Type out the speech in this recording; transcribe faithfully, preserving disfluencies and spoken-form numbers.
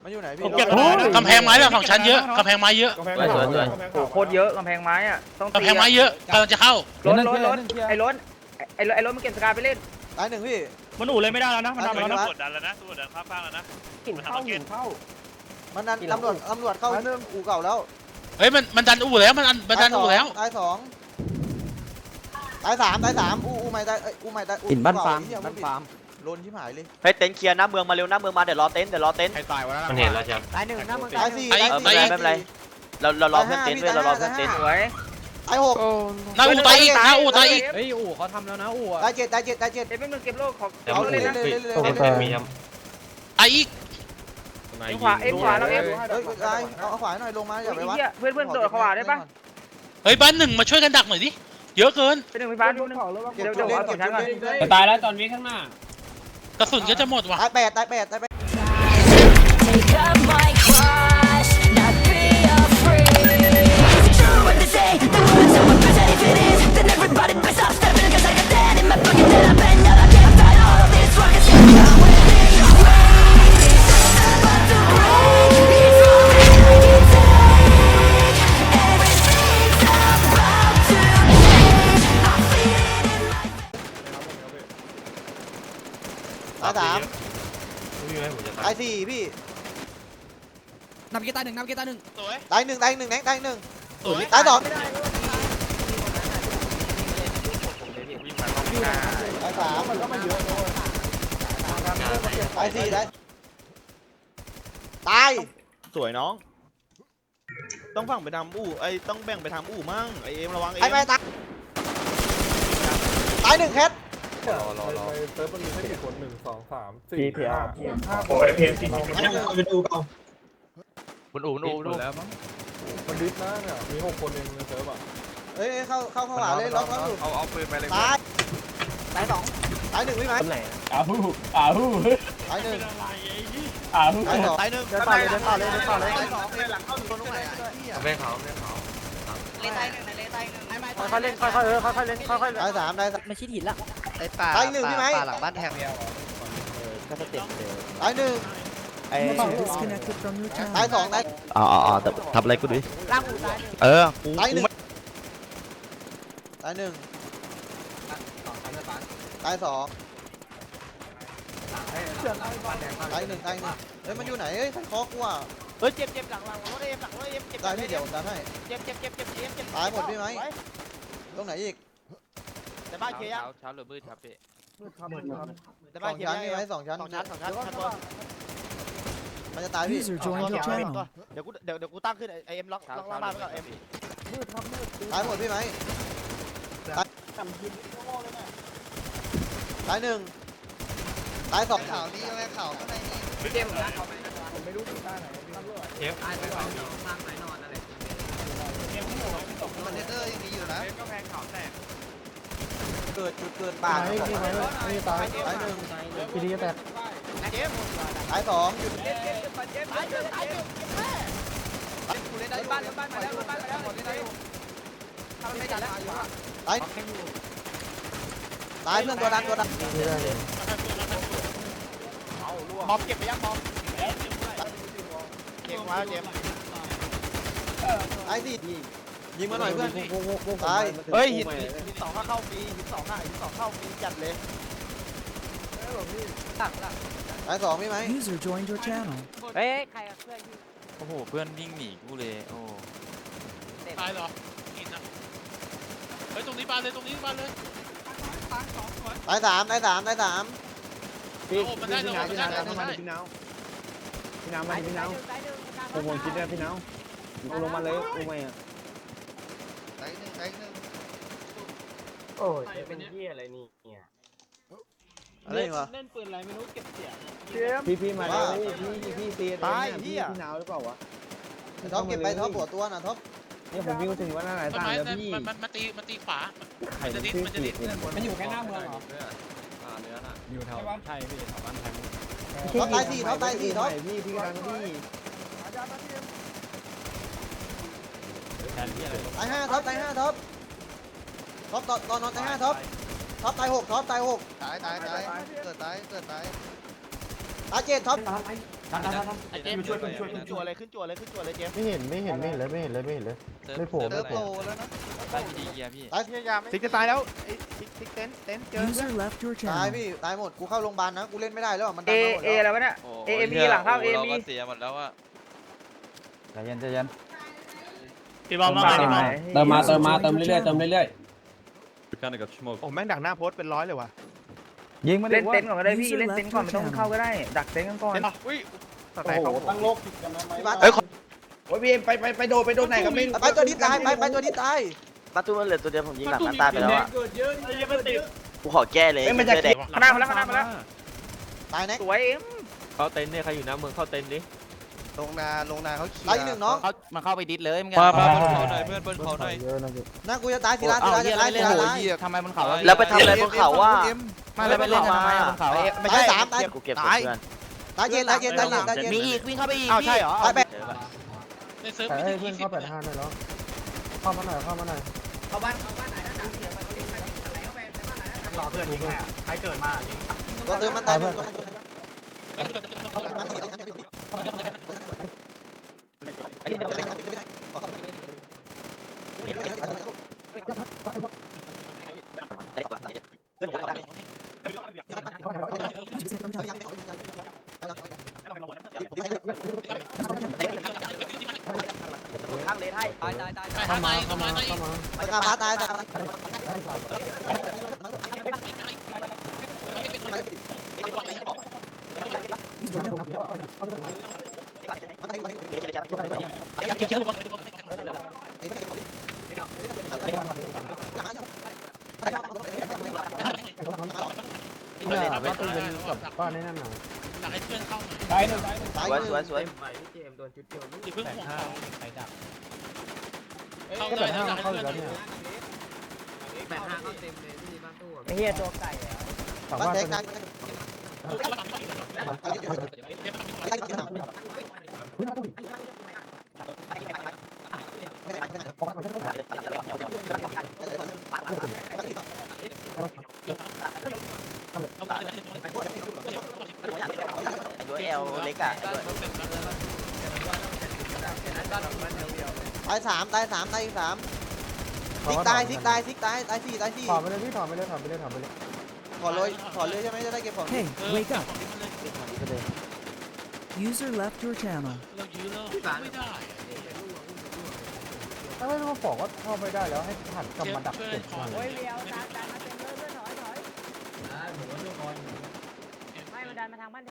มันอยู่ไหนพี่ผมเก็บกำแพงไม้แบบสองชั้นเยอะกำแพงไม้เยอะสวยสวยสวยโอ้โคตรเยอะกำแพงไม้อ่ะต้องกำแพงไม้เยอะกำลังจะเข้าล้นล้นล้นไอ้ล้นไอ้ไอ้ล้นมันเก็บสกาไปเล่นตายหนึ่งพี่มันอู่เลยไม่ได้แล้วนะมันดันไปแล้วนะกดดันแล้วนะกดดันข้ามฟากแล้วนะหินเข้าหินเข้ามันดันตำรวจตำรวจเข้าอู่เก่าแล้วเฮ้ยมันมันดันอู่แล้วมันมันดันอู่แล้วตายสองตายสามตายสามอู่อู่ใหม่ตายอู่ใหม่ตายหินบ้านฟาร์มบ้านฟาร์มลนที่หายเลยเฮ้ยเต็นท์เคลียร์หน้าเมืองมาเร็วหน้าเมืองมาเดี๋ยวรอเต็นท์เดี๋ยวรอเต็นท์ใครตายวะมันเห็นแล้วใช่ไหมตายหนึ่งนะมึงตายสี่เออไม่เป็นไรไม่เป็นไรเราเรารอเพื่อนเต็นท์ด้วยเรารอเพื่อนเต็นท์สวยตายหกหน้าอู่ตายอีกหน้าอู่ตายอีกเฮ้ยอู่เขาทำแล้วนะอู่ตายเจ็ดตายเจ็ดตายเจ็ดเต็นท์มึงเก็บโลกของเอาเลยเลยเลยเลยตายอีกเอ็มขวาเอ็มขวาเราเอ็มเฮ้ยตายเอาขวาหน่อยลงมาอย่าไปวัดเพื่อนเพื่อนโดดขวาได้ปะเฮ้ยบ้านหนึ่งมาช่วยกันดักหน่อยดิเยอะเกินเป็นหนึ่งไฟฟ้าดูนึงเดี๋ยวเดี๋ยวเอาสองชั้นก่อนจะตายแล้วตอนนี้ข้างหน้ากระสุนก็จะหมดว่ะตายแปดตายแปดตายแปด Take up my cross, not be afraid. Is it true what they say? The words are what present. If it is, then everybody better stop stepping. Cause I got that in my pocket that I've been out. I can't fight all of this rock and shit. I'm within your way. It's about to break. It's all that I can take. Everything's about to change. I feel it in my ตายสามตายสี่พี่นับกีตาร์หนึ่งนับกีตาร์หนึ่งสวยตายหนึ่งตายหนึ่งแดงตายหนึ่งสวยตายสองตายสามมันก็ไม่เยอะตายสี่ตายตายสวยน้อง ต้องฝั่งไปทำอู่ไอ้ต้องแบ่งไปทำอู่มั่งไอเอ็มระวังเอ็ไอ้มไม่ตายตายหนึ่งแคทเซิร์ฟมันมีแค่กี่คนหนึ่งสองสามสี่พีพีอาห้าร์โอ้ยพีเอ็มซีไปดูเปล่าบนอู่บนอู่บนอู่แล้วมั้งคนดิสนะเนี่ยมีหกคนเองในเซิร์ฟอ่ะเฮ้ยเข้าเข้าเข้าหวาเลยล็อกล็อกอยู่เอาเอาปืนไปเลยตายตายสองตายหนึ่งพี่ไหมอ้าวอ้าวตายหนึ่งอ้าวตายสองตายหนึ่งเดินต่อเลยเดินต่อเลยเดินต่อเลยตายสองเลยหลังเข้าอยู่ตรงไหนอ่ะแม่เขาแม่เขาเลตายหนึ่งเลตายหนึ่งค่อยๆเล่นค่อยๆเออค่อยๆเล่นค่อยๆตายสามตายสามไม่ชิดหินละไอ้ป่าตายหนึ่งพี่ไหมป่าหลังบ้านแทงก็สเต็ปเลยตายหนึ่งไอ้ตายสองตายอ๋ออ๋อทำอะไรกูดิล่างอู่ตายเออตายหนึ่งตายหนึ่งตายสองตายหนึ่งตายหนึ่งเฮ้ยมันอยู่ไหนเฮ้ยท่านคอกูอ่ะเฮ้ยเจ็บเจ็บหลังหลังรถเอ็มหลังรถเอ็มเจ็บตายพี่เดี๋ยวผมดันให้เจ็บเจ็บเจ็บเจ็บเจ็บเจ็บตายหมดพี่ไหมตรงไหนอีกแต่บ้านเคลียร์เช้าหรือมืดครับพี่แต่สบ้าอน งเคลียร์ชั้นพี่ไหมสองชั้นสองชั้นสองชั้นชั้นบนมันจะตายพี่เดี๋ยวกูเดี๋ยวเดี๋ยวกูตั้งขึ้นไอเอ็มล็อกล็อกล่างบ้านไว้ก่อนเอ็มตายหมดพี่ไหมตายหนึ่งตายสองข่าวนี้แม่ข่าวข้างในนี้พี่เจมส์มันเทเตอร์ยังมีอยู่นะก็แพงเขาแตกเกิดจุดเกิดป่าไม่ไม่ไม่ไม่ตายตายหนึ่งพีดีแตกเจมตายสองหยุดเจมส์เจมส์เจมส์เจมส์เจมส์เจมส์กูเล่นได้อยู่บ้านบ้านมาแล้วบ้านมาแล้วเล่นได้อยู่ทำไม่ได้แล้วตายตายเพื่อนตัวดันตัวดันมอมเก็บไปยังมอมเก็บมาเจมตายสิยิงมาหน่อยเพื่อนตายเฮ้ยหินหินสองเข้าฟรีหินสองอ่ะหินสองเข้าฟรีจัดเลยตายสองพี่ไหมเฮ้ยใครกับเพื่อนพี่โอ้โหเพื่อนวิ่งหนีกูเลยโอ้ตายเหรอกินนะเฮ้ยตรงนี้บานเลยตรงนี้บานเลยตายสามตายสามตายสามโอ้มันได้เรามันได้เราได้พี่น้าวพี่น้าวมาพี่น้าวผมผมคิดได้พี่น้าวลงมาเลยลงมาอ่ะตายหนึ่งตายหนึ่งโอ้ยเป็นเหี้ยอะไรนี่เนี่ยอะไรวะเล่นปืนอะไรไม่รู้เก็บเสียงพี่พี่มาเลยพี่พี่ตีพี่น้าวหรือเปล่าวะท็อปเก็บไปท็อปหัวตัวนะท็อปเนี่ยผมวิ่งมาถึงว่าหน้าไหนต้นตายไม้แล้วพี่มันมันมันตีมันตีขวาไข่มันจะดิ้นมันจะดิ้นมันอยู่แค่หน้าเมืองเหรออยู่แถวใช่พี่แถวบ้านไทยท็อปตายสี่ท็อปตายสี่ท็อปพี่พี่กำลังพี่แทนที่อะไรตายห้าท็อปตายห้าท็อปท็อปตอนตอนนอนตายห้าท็อปท็อปตายหกท็อปตายหกตายตายตายเกิดตายเกิดตายตายเจ็ดท็อปไอ้เจมส์ช่วยช่วยช่วยขึ้นจั่วเลยขึ้นจั่วเลยขึ้นจั่วเลยเจมส์ไม่เห็นไม่เห็นไม่เห็นเลยไม่เห็นเลยไม่เห็นเลยไม่โผล่เติไม่ร์โผล่โตแล้วนะตายพี่ดีเกียร์พี่ตายพยายามไม่ซิกจะตายแล้วไอ้ซิกซิกเต็นเต็นเจอ User left your ตาย channel. พี่ตายหมดกูเข้าโรงพยาบาลนะกูเล่นไม่ได้แล้วมันดัเอนมาหมดเอแล้วอะไรวะเนี่ยเอเอ็มบีหลังเข้าเอเอ็มบีเสียหมดแล้วอะใจเย็นใจเย็นพี่บอลมาพี่บอลเติมมาเติมมาเติมเรื่อยๆเติมเรื่อยโอ้แม่งดักหน้าโพสเป็นร้อยเลยว่ะยิงมาดิเล่นว่าเต็นท์ก่อนก็ได้พี่เล่นเต็นท์ก่อนไม่ต้องเข้าก็ได้ดักเต็นท์กันก่อนอุ้ยสไตล์เขาตั้งโลกผิดกันไหมพี่บาสเฮ้ยโอ้ยพี่ไปไปไปโดนไปโดนไหนกันไม่ไปตัวนี้ตายไปไปตัวนี้ตายประตูมันเหลือตัวเดียวผมยิงหลังมันตายไปแล้วอ่ะเกิดเยอะนี่มันติดกูขอแก้เลยเอ้ยมันจะเด็กข้างหน้ามาแล้วข้างหน้ามาแล้วตายแน็กสวยเอ็มเข้าเต็นท์เนี่ยใครอยู่น้ำเมืองเข้าเต็นท์ดิลงนาลงนาเขาขี่ตายอีกหนึ่งน้องเขามาเข้าไปดิสเลยมึงมามาบนเขาหน่อยเพื่อนบนเขาหน่อยเยอะนะพี่นะกูจะตายทีละทีละจะตายทีละตายทำไมมันเขาแล้วไปทำอะไรบนเขาว่ามาเลยไปเล่นกันทำไมบนเขาไม่ใช่ตายสามตายกูเก็บเพื่อนตายเย็นตายเย็นตายเย็นตายเย็นมีอีกวิ่งเข้าไปอีกอ้าวใช่เหรอตายแปดในเซิร์ฟแต่ไม่ให้ถึงเพื่อนยี่สิเข้าบแปดห้าได้แล้วเข้ามาหน่อยเข้ามาหน่อยรอเพื่อนยิงแค่ใครเกิดมาตัวเติมมันตายหมดข้างเลนให้ตายตายตายเข้ามาเข้ามาเข้ามาตายกาพาตายตายเนี่ยว่าต้องเป็นกับบ้านในนั่นหน่อยอยากให้เพื่อนเข้ามาตายหนึ่งตายหนึ่งตายสวยสวยสวยอย่าเพิ่งห่วงเขาไปดักเข้าก็ได้แปดห้าอยากให้เข้าอเพื่ยู่อนแล้วเนี่ยไอ้เหี้ยตัวไก่ฝั่งบ้านบ้านแตเป็กนตายด้วยเอลเล็กอ่ะตายสามตายสามตายอีกสามซิกตายซิกตายซิกตายตายสี่ตายสี่ถอดไปเลยพี่ถอดไปเลยถอดไปเลยถอดไปเลยขอเลยขอเลยใช่ไหมจะได้เก็บของ Hey, เออ wake up. ไปเลย User left your channel. เรายื้อแล้วไม่ได้ถ้าไม่ต้องบอกว่าเข้าไปได้แล้วให้หันกลับมาดักเพื่อเก็นบขอก่อนเลยเลี้ยวตาตา